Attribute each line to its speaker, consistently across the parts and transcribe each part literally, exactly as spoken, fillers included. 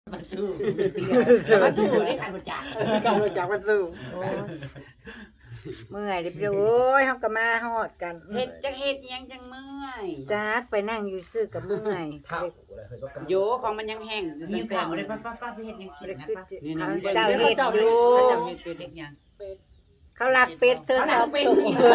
Speaker 1: มาสู้มาสู้ได้การบริจาค
Speaker 2: การรู้จักมาสู้
Speaker 3: โอ้ยเมื่อยเดี๋ยวโอ้ยเฮาก็มาฮอดกัน
Speaker 1: เฮ็ดจังเฮ็ดหยังจังเมื่อย
Speaker 3: จักไปนั่งอยู่ซื่อกับเมื่อย
Speaker 4: เท่าอะไรเคยก็กำ
Speaker 1: โยของมันยังแห้ง
Speaker 5: มี
Speaker 1: ตั้งแต่
Speaker 5: ข่าวเลยป้าป้าป้าไปเฮ็ดยังกิ
Speaker 3: บ่
Speaker 5: น
Speaker 3: ได้
Speaker 5: นะ
Speaker 3: คือ
Speaker 5: ป้า
Speaker 3: จิ
Speaker 1: นี่
Speaker 3: เขา
Speaker 1: นี่
Speaker 3: เจ้าเฮ็ดอยู่
Speaker 5: เขาจะเฮ็ดเป็นเด็กยัง
Speaker 3: เขาลักเป็ดเธอสองตัว
Speaker 4: ต้ม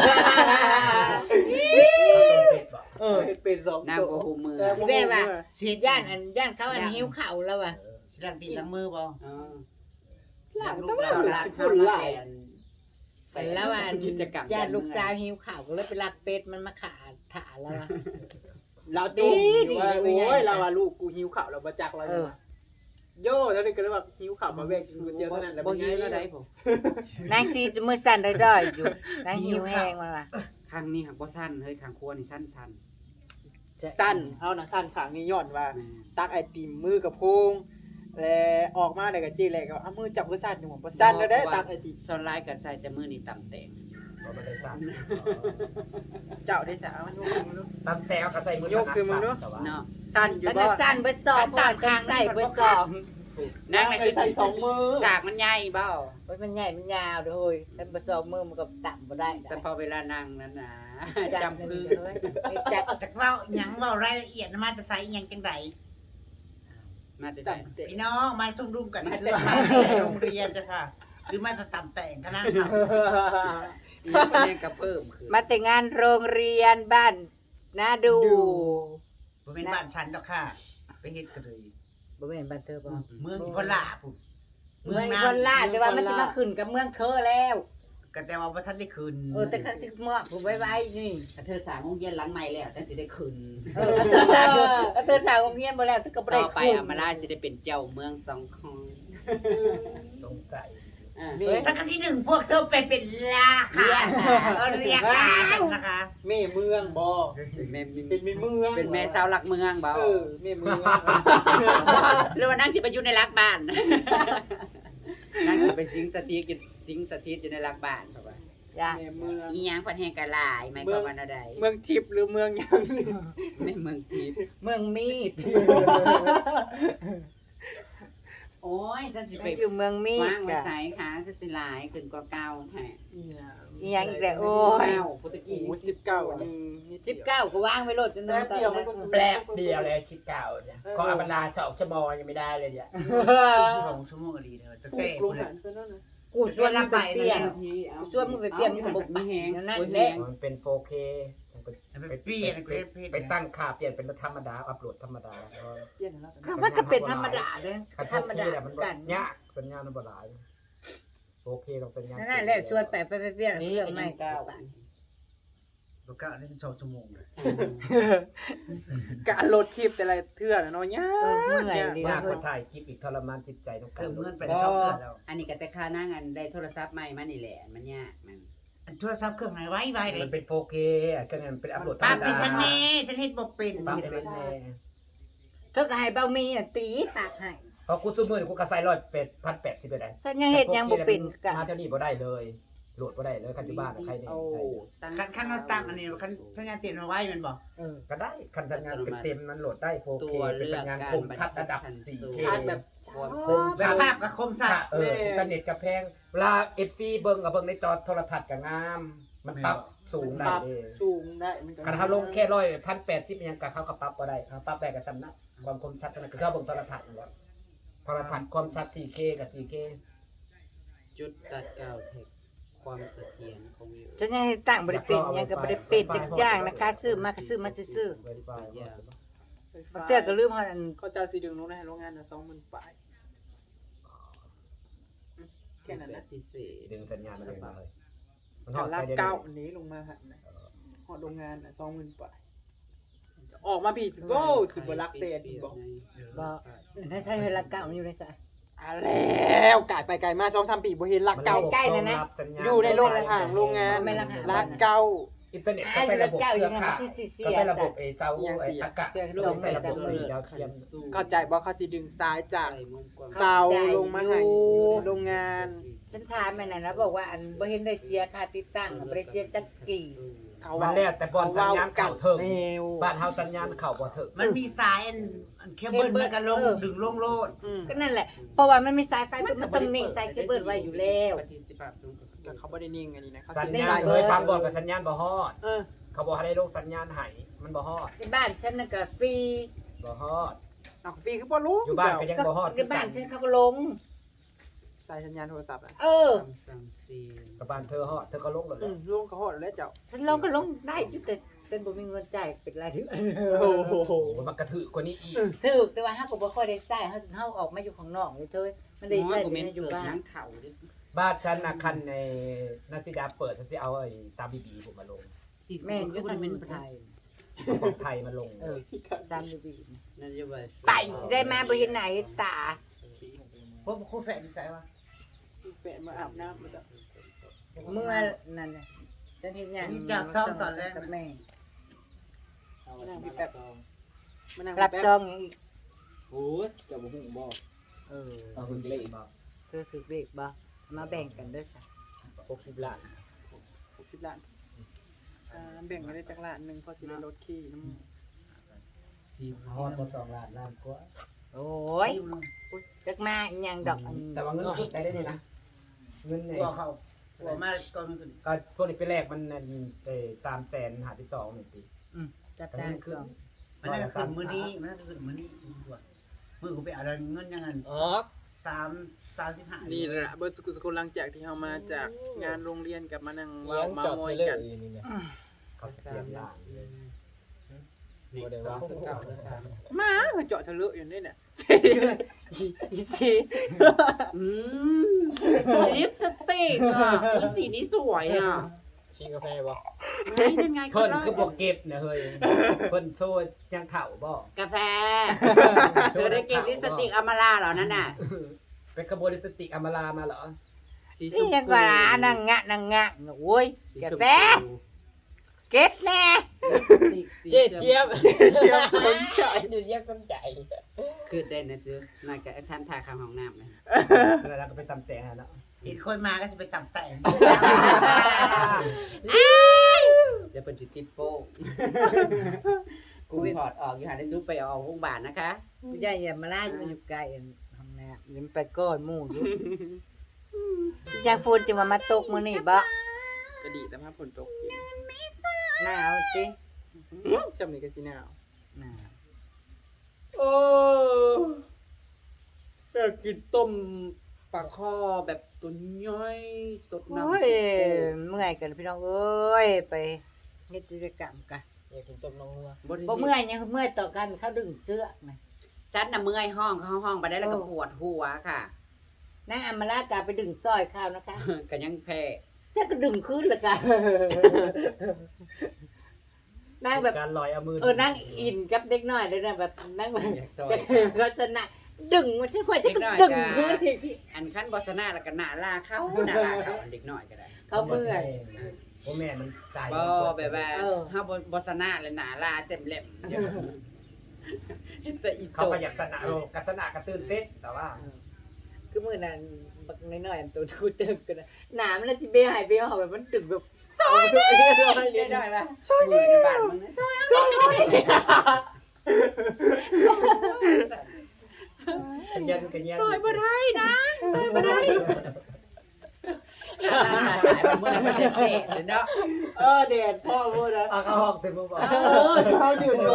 Speaker 4: เป็ดบ่
Speaker 2: เออเฮ็ดเป็นสอง
Speaker 1: นาง
Speaker 2: ตัว
Speaker 1: บ่ฮู้มือ
Speaker 3: แม่ว่า
Speaker 5: เสีย
Speaker 3: ย่านอันย่านเขาอันหิวข้าวแล้วว่ะ
Speaker 5: สิล้างตีนล้างมือบ่
Speaker 1: อ๋อ
Speaker 5: ล้างลู
Speaker 1: ต้
Speaker 5: ก
Speaker 1: อง
Speaker 5: ล้างห
Speaker 1: ลา
Speaker 5: ลาน
Speaker 1: ฝุ่นหลาย
Speaker 3: ไปแล้วว่า
Speaker 1: กิจกรรม
Speaker 3: ย่านลูกสาวหิวข้าวก็เลยไปลักเป็ดมันมาขาถาแล้วว่ะ
Speaker 2: เราจมอยู่ว่า
Speaker 3: ดีดี
Speaker 2: โอ้ย
Speaker 3: ดี
Speaker 2: เราว่าลูกกูหิวข้าวเราบ่จักเรา
Speaker 3: เอ
Speaker 2: อยู่
Speaker 3: อ
Speaker 2: ว่าโย่แล้วนี่ก็เลยแบบหิวข้าวมาแวกกินก๋วยเตี๋ยวเท่านั้นแหละ
Speaker 1: บ่
Speaker 2: เป็นไง
Speaker 1: หิวแล้วได้ผม
Speaker 3: นางซีจะมือสั่นด้อยๆอยู่นางหิวแห้งมาว่ะ
Speaker 1: ครั้งนี้หักบ่สั้นเฮ้ยครั้งครัวนี่สั้นสั้น
Speaker 2: สั้นเฮาน่ะสั้นขางนี้ย้อนว่า
Speaker 1: แม่
Speaker 2: ตักไอติมมือกับโพงแล้วออกมาได้ก็จี้แลก็เอามือจับก็สั่นอยู่ผมบ่สั่นแล้วได้ตักไอติม
Speaker 1: ส่วนหลายก็ใส่แต่มื้อนี้ตำแตง
Speaker 4: บ่ได้สั่น
Speaker 2: เจ้าได้สาวมันยกขึ้นมาดู
Speaker 4: ตำแต่เอากระใส่มือย
Speaker 2: กขึ้นมาดู
Speaker 1: เนาะ
Speaker 2: สั่นอยู่
Speaker 3: มัน
Speaker 2: บ่
Speaker 3: จะสั่นเบิดสอบผ่านข้างใส่เบิดสอบ
Speaker 1: นั่งน่ะคือ
Speaker 2: ใส่สองมือ
Speaker 1: สากมันใหญ่เบ้า
Speaker 3: โอ้ยมันใหญ่มันยาวเด้อเฮ้ยถ้าบ่สอบมือมันก็ต่ำบ่ได้
Speaker 1: เฉพาะเวลานั่งนั้นนะ
Speaker 3: จับ
Speaker 1: จำ
Speaker 3: มื
Speaker 1: คือ อ
Speaker 3: เฮ้ยไม่จับ
Speaker 5: จักเว้าหยังเว้ารายละเอียดมาแต่ไสหยังจังได
Speaker 1: มาแต่
Speaker 2: จั
Speaker 1: ใส่
Speaker 2: บเตะ
Speaker 5: พี่น้องมาซุ่มรุมกันคือมาโรงเรียนจ้ะค่ะ หรือมาแต่ตำแต่งคณะค่ะ
Speaker 1: อีกประเด็นก็เพิ่มคือ
Speaker 3: มาแต่งานโรงเรียนบ้านนาดู
Speaker 5: บ่เป็นบ้านฉันดอกค่ะ ไปเฮ็ดกันเลย
Speaker 3: บ่แม่นบ้านเธอบ่
Speaker 5: เมืองพลาพุ่น
Speaker 3: เมืองคนลาดแต่ว่ามันสิมาขึ้นกับเมืองเธอแล้ว
Speaker 5: ก็แต่ว่าบ่ทันได้คืน
Speaker 3: เออแต่ก็สิเมื่อผมไว้ไว้นี่
Speaker 1: ถ้าเธอสร้างโรงเรียนหลังใหม่แล้วแต่สิได้ขึ้น
Speaker 3: เออเธอสาวเธอสาวโรงเรียนบ่แล้วเธอก็บ่ได้
Speaker 1: ต่อไป
Speaker 3: ขึ้น
Speaker 1: อามาลาสิได้เป็นเจ้าเมืองสองคอน
Speaker 4: สงสัย
Speaker 1: อ่า
Speaker 2: นี่
Speaker 5: สักกะสิหนึ่งพวกเธอไปเป็นลาค่ะเออเรียกลากันนะคะ
Speaker 2: แม่เมืองบ่
Speaker 1: เป็นแม่
Speaker 2: เป็นแม่เมือง
Speaker 1: เป็นแม่สาวหลักเมืองเบา
Speaker 2: เออแม่เมือง
Speaker 1: หรือว่านั่งสิไปอยู่ในหลักบ้าน นั่งสิไปสิงสถิตอยู่สิงสถิตอยู่ในหลักบ้านเพราะว่า
Speaker 3: จ้ะ
Speaker 2: แม่เมือง
Speaker 1: อีหยังเพิ่นแห่งกะหลายหมายความว่าแนวใด
Speaker 2: เมืองทิพย์หรือเมืองหยัง
Speaker 1: แม่เมืองทิพย์
Speaker 3: เมืองมีด
Speaker 1: โอ้ยฉันสิไป
Speaker 3: อยู่เมืองมีด
Speaker 1: วางไว้
Speaker 3: จ้ะ
Speaker 1: ไสค่ะคือสิหลายขึ้นกว่าเก่าแท้
Speaker 3: อีหยังอีกแล้วโอ้ย
Speaker 1: เก้าโปรตุเก
Speaker 2: โอ้
Speaker 1: ส
Speaker 2: สิบเก้าหนึ่ง
Speaker 3: สิบเก้าก็วางไว้โลดจนนึงตอนนั้น
Speaker 4: แปลกเดียวเลยสิบเก้าเนี่ยก็อัปลาสองชั่วโมงยังไม่ได้เลยเนี่ย
Speaker 5: สองชั่วโมงก็ดีเด้อจะ
Speaker 2: ปลู
Speaker 5: เต้
Speaker 2: กลงหันซะนั่นน่ะ
Speaker 3: กูชวนมันไปเปลี่ยน
Speaker 1: ทีเอา
Speaker 3: ชวนมึงไปเปลี่ยนอยู่บ่
Speaker 1: มีแฮง
Speaker 3: นั่น
Speaker 1: โอ้ย
Speaker 3: แหละ
Speaker 4: มันเป็น โฟร์เค
Speaker 5: ไปเปลี่ยนไปเปลี่ยน
Speaker 4: ไปตั้งค่าเปลี่ยนเป็นธรรมดาอัปโหลดธรรมดา
Speaker 2: เปลี่ยนแล้ว
Speaker 3: เขามันก็เป็นธรรมดาเด้อ
Speaker 4: คัน
Speaker 3: ธรรมดา
Speaker 4: เนี่ยมัน
Speaker 3: กัน
Speaker 4: ยากสัญญาณมันบ่หลายโอเคต้องสัญญาณ
Speaker 3: นั่นน่ะแหละชวนไปไปไปเปลี่ยนเรื่องใหม่
Speaker 1: เก้า
Speaker 5: บ่กล้าได้สองชั่วโมงเลย
Speaker 2: การโหลดคลิปแต่ละเทื่อน่ะเนาะยา
Speaker 3: เออเมื่อยดี
Speaker 4: ยา
Speaker 3: นะ
Speaker 4: กกว่าถ่ายคลิปอีกทรมานจิตใจต้องกา
Speaker 5: เติ
Speaker 4: ร
Speaker 5: มเงินไปได้สองเดือนแล้ว
Speaker 1: อันนี้ก็แต่ค่านั่งอันได้โทรศัพท์ใหม่มานี่แหละมันยากมัน
Speaker 5: โทรศัพท์เครื่องไหนไว้ไว้เล
Speaker 4: มั
Speaker 5: ย
Speaker 4: นเป็น โฟร์เคอ่ะก็เนี่ยมันเป็นอัปโหลดธร
Speaker 5: ป้าร
Speaker 4: ม
Speaker 5: ไป
Speaker 4: ดา
Speaker 5: ฉันแน่ฉันเฮ็ดบ่เป็น
Speaker 4: ตามเป็นแน่
Speaker 3: เธอก็ให้เบามีอ่ะตีปากให้
Speaker 4: เพราะกูซื้อมือนี่กูกระใส่ร้อยเป็ดพันแปดสิบไปได้
Speaker 3: ฉันยังเฮ็ดยังบ่เป็นกัน
Speaker 4: มาเท่านี้บ่ได้เลยโหลดบ่ได้เลยคันที่บ้านอะใครเนี่ย
Speaker 1: โอ้
Speaker 4: ได้
Speaker 5: คันคันเราตั้งอันนี้คันสัญญาณเตือนมาไว้แมันบ่
Speaker 3: เออ
Speaker 4: ก็ได้คันสัญญาณเต็มๆนั้นโหลดได้ โฟร์
Speaker 1: ตั
Speaker 4: เค
Speaker 1: ว
Speaker 4: เป็น
Speaker 1: เลือ
Speaker 4: สั
Speaker 1: ก
Speaker 4: ญญาณ
Speaker 1: การ
Speaker 4: คมชัดระดับ สี่เค
Speaker 2: ชาร์จแบบ
Speaker 1: ความ
Speaker 4: คม
Speaker 5: ส
Speaker 4: ชัด
Speaker 5: ภาพกับคมสัตว์
Speaker 4: เอออินเทอร์เน็ตกับแพงเวลา เอฟ ซี เบิ่งกับเบิ่งในจอโทรทัศน์ก็งาม มันปรับสูง
Speaker 2: ป
Speaker 4: ได้
Speaker 2: รับ
Speaker 4: เด้
Speaker 2: สูงได้มันก็
Speaker 4: คันถ้าลงแค่ร้อยพันแปดสิบยังกับเขาก็ปรับบ่ได้เขาปรับได้กับสำนักความคมชัดเท่านั้นคือเขาเบิ่งโทรทัศน์นั่นแหละโทรทัศน์ความชัด สี่เค กับ สี่เค
Speaker 1: จุดตัดเก่าเทคความเสถียรของวิว
Speaker 3: ฉันยังให้ตั้งบ่ได้เป็นยังก็บ่ได้เป็นจักอย่างนะคะซื้อมาก็ซื้อมาซื่อ
Speaker 4: Wi-Fi
Speaker 3: ๆบางเทื่อก็ลืมเฮานั่น
Speaker 2: เขาเจ้าสิดึงลงในโรงงานน่ะสองหมื่นปลายอืมแค่นั้นนะ
Speaker 1: พิเศษ
Speaker 4: ดึงสัญญาณมาเลยมาเลยมันห
Speaker 2: หั
Speaker 4: อน ด
Speaker 2: ละ
Speaker 4: ใส่ได้เล
Speaker 2: เก้าย อันนี้ลงมาหันนะหอดโรงงานน่ะสองหมื่นปลายออกมาพี่โว้สิบ่รักเศษอีกบ่
Speaker 3: บ่ได้ใช้เวลาเก่ามันอยู่ในสาย
Speaker 2: อ่ะแล้วกายไปไกลมาสองสามปีบ่เห็นรักเก่า
Speaker 3: ใกล้ๆนะนะ
Speaker 4: รับสัญญาณ
Speaker 2: อยู่ในโรงห่างโรงงาน
Speaker 3: ไม่รักหา
Speaker 2: รักเก่า
Speaker 4: อินเทอร์เน็ตก็ใช้ระบบเครือข่าย
Speaker 3: ที่สี่เสีย
Speaker 4: ก็ใช้ระบบไอ้เสา
Speaker 2: ยัง
Speaker 4: ไอ้
Speaker 2: เสีย
Speaker 4: อากาศ
Speaker 3: เสีย
Speaker 4: ลงใช้ระบบ
Speaker 3: สองหมื่น
Speaker 4: ดาวเทียม
Speaker 2: เข้าใจบ่เขาสิดึงซ้ายจาก
Speaker 1: ใส่มุมกว้าง
Speaker 2: เสาลงมาให้อยู่ในโรงงาน
Speaker 3: ฉันถามแม่นั่นแล้วบอกว่าอันบ่เห็นได้เสียค่าติดตั้งบ่ได้เสียจักกี่
Speaker 1: เออ
Speaker 2: เขา
Speaker 4: มันแล้วแต่บอลสัญญาณเข้าเถิง
Speaker 2: แนว
Speaker 4: บ้านเฮาสัญญาณเข้าบ่เถิง
Speaker 5: มันมีสายอันอันเคเบิลมันก็ลงดึงลงโลด
Speaker 2: อืม
Speaker 3: ก็นั่นแหละ เพราะว่ามันมีสายไฟมันต้องนิ่งสายเคเบิลไว้อยู่แล้ว
Speaker 1: ปฏิสิทธิภาพสูงกว่า
Speaker 2: แต่เขาบ่ได้นิ่งอันนี้นะเขา
Speaker 4: สัญ
Speaker 2: สิ
Speaker 4: ญาณ
Speaker 2: ได้
Speaker 4: เอ้ยบางบอลกับสัญญาณบ่ฮอด
Speaker 2: เออ
Speaker 4: เขาบอกให้ได้ลงสัญญาณให้มันบ่ฮอด
Speaker 3: ในบ้านฉันน่ะก็ฟรี
Speaker 4: บ่ฮอด
Speaker 2: เอาฟรีคือบ่รู้
Speaker 4: อยู่บ้านก็ยังบ่ฮอด
Speaker 3: ในบ้านฉันเขาก็ลง
Speaker 2: สายสัญญาณโทรศัพท์อ่ะ
Speaker 3: เออ
Speaker 1: คำสั่งซีน
Speaker 4: กับบ้านเธอฮอดเธอก็ลงแล้ว
Speaker 2: อืมลงเขาฮอดแล้วเจ้า
Speaker 3: ฉันลงก็ลงได้อยู่แต่ฉันบ่มีเงินจ่ายเป็นไรายเดือน
Speaker 2: โอ้โห
Speaker 4: โอ้มันกระถือกว่านี้อีก
Speaker 3: ถูกแต่ว่าเฮาก็บ่ค่อยได้จ่ายเฮาเฮาออกมาอยู่ข้างนอกเลยเธอมันได้
Speaker 1: น้อ
Speaker 3: ใช้
Speaker 1: ยกู
Speaker 3: แต่
Speaker 1: เมน
Speaker 3: อยู่
Speaker 1: เกิด
Speaker 3: บ้าน
Speaker 1: นั่งเข่าดิ
Speaker 4: บ้านฉันน่ะคันในนักสิดาเปิดฉันสิเอาไอ้สามบีบีผมมาลง
Speaker 3: แม่นอยู่ทางไทย
Speaker 4: เอาของไทยมาลง
Speaker 3: เออตามอยู่บีนะ
Speaker 1: นั่นจะว่า
Speaker 3: ไปสิได้มาบ่เห็นหน้าเห็นตา
Speaker 5: พวกคู่แฝดนิสัยวะ
Speaker 2: แฟนมาอาบน้ำมาจ้ะ
Speaker 3: เมื่อนั่นน่ะฉันเฮ็ดหยัง
Speaker 5: นี่จากซ่อมตอนแรก
Speaker 3: กับแม่
Speaker 2: มานั่งพี่แป๊บมานั่ง
Speaker 3: รับ
Speaker 2: แป๊
Speaker 3: ซองหยังอีก
Speaker 1: โอ้ยเจะบ่ฮู้บ่
Speaker 3: เออ
Speaker 4: เอาคุณเลขบ่
Speaker 3: เธอถือเลขบ่มาแบ่งกันเด้อจ้ะ
Speaker 4: หกสิบล้าน
Speaker 2: หกสิบล้านอ่าแบ่งกันได้จากล้านหนึงพอสิได้ลดขี้น้ำ
Speaker 4: ทีมฮอดบ่สองล้านล้านกว่า
Speaker 3: โอ้ยจักมาอีหยังดอกอัน
Speaker 4: แต่ว่าเงินขึ้นได้ได้นะเงิน
Speaker 5: ก
Speaker 4: เนี่ย
Speaker 5: ลัวเขากลัวมากก่อนมันขึ้น
Speaker 4: ก็พวกนี้ไปแรกมันนั่นเอ้สามแสนห้าสิบสองหนึ่งปี
Speaker 3: อืมจับ
Speaker 4: แต่
Speaker 3: ได้
Speaker 4: มันขึ้น
Speaker 3: ซอง
Speaker 5: มันน่าจะขึ้นมื้อนี้มันน่าจะขึ้นมื้อนี้ด้วยมื้อกูไปเอาเงินยังไง
Speaker 2: อ๋อ
Speaker 5: สามสามสิบห้า
Speaker 2: นี่แหละเบิร์ดสกุลสกุลหลังจากที่เรามาจากงานโรงเรียนกับมานั่งเว้าเมามอยกัน
Speaker 4: เขาสแกนล้าน
Speaker 1: นี่ก็คือเก่าแล้วครับ
Speaker 2: มาเจาะทะลุอยู่นี่เนี่ย
Speaker 3: อีสิ
Speaker 1: อืมลิปสติกอ่ะอุ๊ยสีนี้สวยอ่ะ
Speaker 2: ชิงกาแฟบ่
Speaker 1: ไม่นั่นไง
Speaker 4: เพิ่นคือบ่เก็บนะเฮ้ยเพิ่นโซ่ยังเฒ่าบ่
Speaker 1: กาแฟเธอได้เก็บลิปสติกอมาลาเหรอนั่นน่ะ
Speaker 4: เป็นขบวนลิปสติกอมรามาเหรอ
Speaker 3: นี่ยังกว่านั่งงะนั่งงะโอ้ยกาแฟเก็บแน่
Speaker 1: เจ๊เจี๊ยบ
Speaker 2: เทียบสนใจ
Speaker 3: เดี๋ยวเจี๊ยบสนใจ
Speaker 1: คือได้นะซื้อนายกับท่านทาคำห้องน้ำนะ
Speaker 4: แล้วเราก็ไปตำแต่งให้แล้ว
Speaker 5: เห็นคนมาก็จะไปต่ำแต่ง
Speaker 1: เดี๋ยวเป็นจิตติดโป้งกูถอดออกอยู่หาได้ซุปไปเอาโรงพยาบาลนะคะ
Speaker 3: อย่าอย่ามาล่าอยู่อยู่ไกลห้องน้ำยิ้มไปก้อนหมู่อยู่ยาฟูนจะมามาตกมื้อนี้บ่
Speaker 2: ก็ดีแต่ภาพฝนตกจริง
Speaker 3: หนาวจิ
Speaker 2: จำนี่ก็สิหนาว
Speaker 3: หนาว
Speaker 1: โอ้อยากกินต้มปลาคอแบบตัวย่อยสดน้ำ
Speaker 3: โอ้ยเมื่อยกันพี่น้องเอ้ยไปเฮ็ดกิจกรรมกัน
Speaker 2: อยากกินต้มน้องหัว
Speaker 3: บ่เมื่อยยังเมื่อยต่อกันเขาดึงเชือกนะ
Speaker 1: ฉันน่ะเมื่อยห้องเข้าห้องไปได้แล้วก็ปวดหัวค่ะ
Speaker 3: นางอำมาลากาไปดึงสร้อยข้าวนะคะ
Speaker 1: กันยังแพ้
Speaker 3: ถ้าก็ดึงขึ้นละกันนางแบบ
Speaker 4: การลอยเอามือ
Speaker 3: เออนั่งอินกับเด็กน้อยเลยนะแบบนั่งแบบ
Speaker 1: ซอย
Speaker 3: จะเคยก็จะน่ะดึงมันใช่ควรจะดึงขึ้นอีก
Speaker 1: อันขั้นบอสนาแล้วก็หนาลาเขาหนาลาเขาอันเด็กน้อยก็ได้
Speaker 3: เขาเมื่อย
Speaker 4: พ่อแม่มันจ่าย
Speaker 1: บ่แบบว่า
Speaker 3: เออ
Speaker 1: เฮาบ่บอสนาเลยหนาลาเต็มเล่มเดี๋ยวเห็นแต่อี
Speaker 4: เขา
Speaker 1: โต
Speaker 4: ก็อยากสนะโลกัสนะกระตื้นเต้นแต่ว่า
Speaker 3: คือมือนั้นบักน้อยๆอันตัวทูเติมกันนะหนามันจะไปหายไปหอบแบบมันดึงแบบซอยเลยซอยเล
Speaker 1: เรีย
Speaker 3: ย
Speaker 1: ได้ป่ะซอยในบ้านมึงนะซอย
Speaker 4: กันยันกันยัน
Speaker 1: ซอยบ่ได้นะซอยบ่ได้เมื่อมันเด็ดเนาะ
Speaker 2: เออเด็ดพ่อพูดนะ
Speaker 4: เอาเขาห้องเต็มมือบอก
Speaker 2: เออเขาดื่มอยู่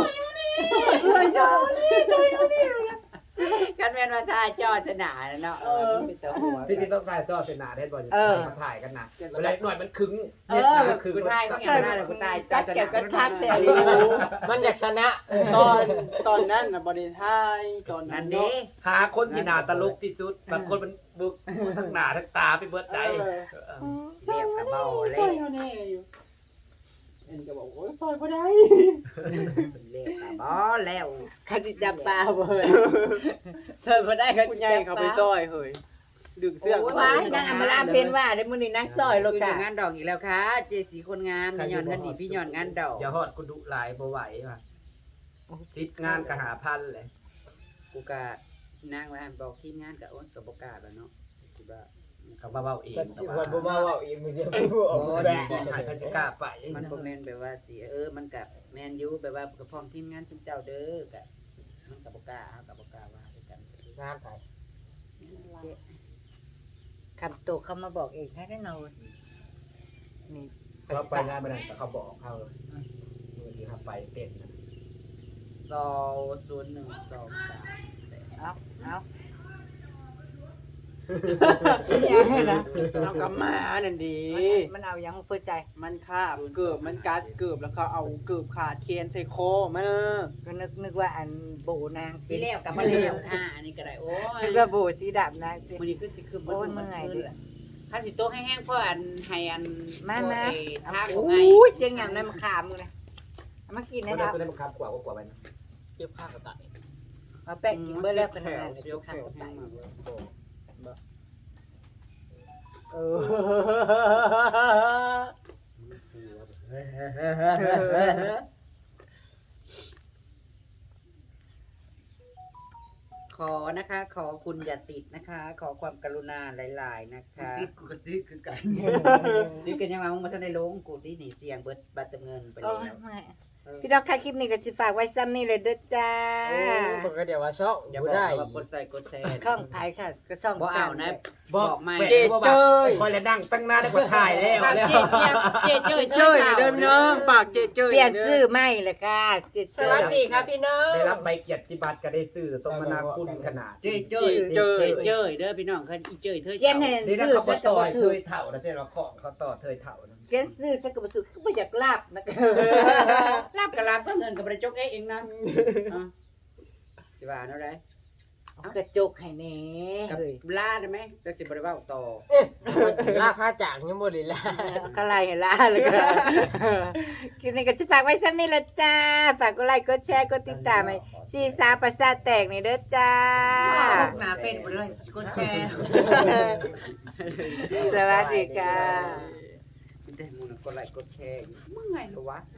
Speaker 1: กันแม่นว่าท่าจอสนาเนาะเออมันเป็นตัวหัว
Speaker 4: ที่นี่ต้องถ่ายจอเสนาเทศบอล
Speaker 3: เออ
Speaker 4: เขาถ่ายกันนะเวลาหน่อยมันคึ้ง
Speaker 3: เออ
Speaker 4: เนี่ยคือ
Speaker 1: กูตายก็อย่างนั้นเลยกูตาย
Speaker 3: จัดเก็บกันพักแต่
Speaker 2: มันอยากชนะตอนตอนนั้นน่ะบริไทยตอนนั้
Speaker 1: นั่
Speaker 2: น
Speaker 1: น
Speaker 2: เนาะ
Speaker 1: เด้
Speaker 4: หาคนที่หนาตลกที่สุดบางคนมันบึกทั้งหนาทั้งตาไปเบิดใจ
Speaker 1: เรียบกับเบาเล
Speaker 2: ซอย
Speaker 1: ย
Speaker 2: เขาแน่อยู่อันนี้ก็บอกโอ้ยซอยบ่ได้
Speaker 1: เรียบกับบ่แล้ว
Speaker 3: เขาสิจับปลาบ่เลยเธอบ่ได้เขา
Speaker 2: คุณ
Speaker 3: สิ
Speaker 2: ยาย
Speaker 3: จับ
Speaker 2: เขา
Speaker 3: ป
Speaker 2: ไป
Speaker 3: ลา
Speaker 2: ซอยเฮ้ยดึงเสื้อ
Speaker 3: โอ้ยว้ายนางอำมาลาเพนว่าได้มื้อนี้นางซอยโล
Speaker 1: คือก
Speaker 3: ะ
Speaker 1: งานดอกอีกแล้วค่ะ เจสีคนงามย้อนกันดีพี่ย้อนงานดอก
Speaker 4: อย่าฮอดกูดุหลายบ่ไหวว่ะซิดงานก็หาพันเลย
Speaker 1: กูก็นางว่าบอกทีมงานก็โอ๊ยก็บ่กล้าแล้วเนาะสิว่า
Speaker 4: เขามาเว้าเอง
Speaker 3: ก็
Speaker 4: แต่
Speaker 3: สิ
Speaker 4: ว่า
Speaker 3: วันบ่มาเว้าอีกมื้อเดียวบ่ออก
Speaker 4: โอ้
Speaker 3: แส
Speaker 4: ย
Speaker 3: ดง
Speaker 4: บอกให้พสิกล้าไป
Speaker 1: มันบ่แม่นแบบว่าสิเออมันก็แม่นอยู่แบบว่าก็พร้อมทีมงานชุมเจ้าเด้อก็มันก็บ่กล้าเฮาก็บ่กล้าว่าด้วยกัน
Speaker 3: งานไป
Speaker 1: เจ๊
Speaker 3: คันโตเขามาบอกเองให้ได้เนานี่
Speaker 4: เขาไปงานบ่ได้แต่เขาบอกเขามือที่เขาไปเต้นนะ
Speaker 1: สองศูนย์หนึ่งสองสาม
Speaker 3: เอาเอา
Speaker 2: เอากลับมานั่นดี
Speaker 3: มันเอายังเปิดใจ
Speaker 2: มันคาบเกือบมันกัดเกือบแล้วเขาเอาเกือบขาดเคียนใส่คอมัน
Speaker 3: ก็นึกนึกว่าอันโบนาง
Speaker 1: สิแล้วกลับมาแล้วอ่าอันนี้ก็ได้โอ้ย
Speaker 3: นึกว่าโบสีดำนางสิ
Speaker 1: มื้อนี้คือสิคือ
Speaker 3: โอ้ยเมื่อยเด้อ
Speaker 1: ถ้าสิโต๊ะให้แห้งเพราะอันให้อัน
Speaker 3: มามา
Speaker 1: ทางข
Speaker 3: โอ
Speaker 1: องไง้
Speaker 3: ยเจียงหยำนั่นมาขามมึงนะเอามากิน
Speaker 4: ไม่
Speaker 3: นะค
Speaker 4: ได้
Speaker 3: รับ
Speaker 4: สุดได้บังคับกว่ากว่าไปนะ
Speaker 2: เจ็บข้างกระต่าย
Speaker 3: มาแปะกินเบอร์แล้วกัน
Speaker 1: แถ
Speaker 3: นะ
Speaker 1: วเสียวแถ
Speaker 3: ข้าว ว
Speaker 1: แห้
Speaker 3: ไก่
Speaker 1: งมากเลย
Speaker 3: เออ
Speaker 1: ขอนะคะ ขอคุณอย่าติดนะคะ ขอความกรุณาหลาย ๆ นะคะ
Speaker 5: ติดกูก็ติดคือกัน
Speaker 1: นี่กันยังว่ามึงมาทันได้ลงกูที่หนีเสียงเบิดบัตรเติมเงินไป
Speaker 3: โอ้
Speaker 1: แล้ว
Speaker 3: ยไม่พี่ดอกค่ะคลิปนี้ก็สิฝากไว้ซ้ำนี่เลยเด้อจ้า
Speaker 2: เพิ่นก็เดี๋ยวว่าช่อง
Speaker 1: อย่า
Speaker 2: บ่
Speaker 1: บอก
Speaker 2: ได้
Speaker 1: ว่ากดใส่กดแชร์
Speaker 3: ข้องไผค่ะ ก็ช่อง
Speaker 1: บ่เอานะ
Speaker 4: บอก
Speaker 1: บอกไม่
Speaker 4: เจ๊เจ้ยคอยแล้วดังตั้งหน้าได้กว่าถ่ายแล้ว
Speaker 1: ฝาก
Speaker 4: แล้ว
Speaker 1: เจ๊เจี๊ยบเจ๊เจ้ย
Speaker 2: เจ้ยเดิมน้องฝากเจเจ้ย
Speaker 3: เปลี่ยนชื่อไม่เลยค่ะเจ็ด
Speaker 2: สวัสดีครับพี่น้อง
Speaker 4: ได้รับใบเกียรติบัตรก็ได้ซื้อสมนาคุณขนาด
Speaker 5: เจ๊เจ้ย
Speaker 2: เจ้ย
Speaker 1: เจ๊เจ้ยเด้อพี่น้องเขาอีเจ้ยเธอ
Speaker 3: เย็นเห็น
Speaker 4: นี่นะ
Speaker 3: ชื่อ
Speaker 4: เขา
Speaker 3: จะ
Speaker 4: ก็ต่อ
Speaker 3: บ่
Speaker 4: ย
Speaker 3: ถื
Speaker 4: เท
Speaker 3: อย
Speaker 4: เถ่านะเจ๊เราของเขาต่อเทยเถ่านะ
Speaker 3: เย็นชื่อจะก็บ่ถือก็บ่อยากลาบนะคะ
Speaker 1: รับกับรับก็เงินกับบริจกเองเองนะอ่ะสิว่าเนาะไร
Speaker 3: เอากระจกให้แหน่
Speaker 1: กับ
Speaker 3: เฮ้ย
Speaker 1: ลาได้ไหมจะสิบริวาต่อ
Speaker 2: ลาค่าจ้างยังบ่ได้ลา
Speaker 3: เอาก็ไล่ให้ลาเลยก็คลิปนี้ก็สิฝากไว้ซ้ำนี่ละจ้า ฝากกดไลค์กดแชร์กดติดตามให้ซีสาประสาทแตกนี่เด้อจ้า
Speaker 5: หนาเป็นหมดเลยคนแก่
Speaker 3: สวัสดีค่ะ
Speaker 1: ได้มูลกดไลค์กดแชร์มึงไงเหรอวะ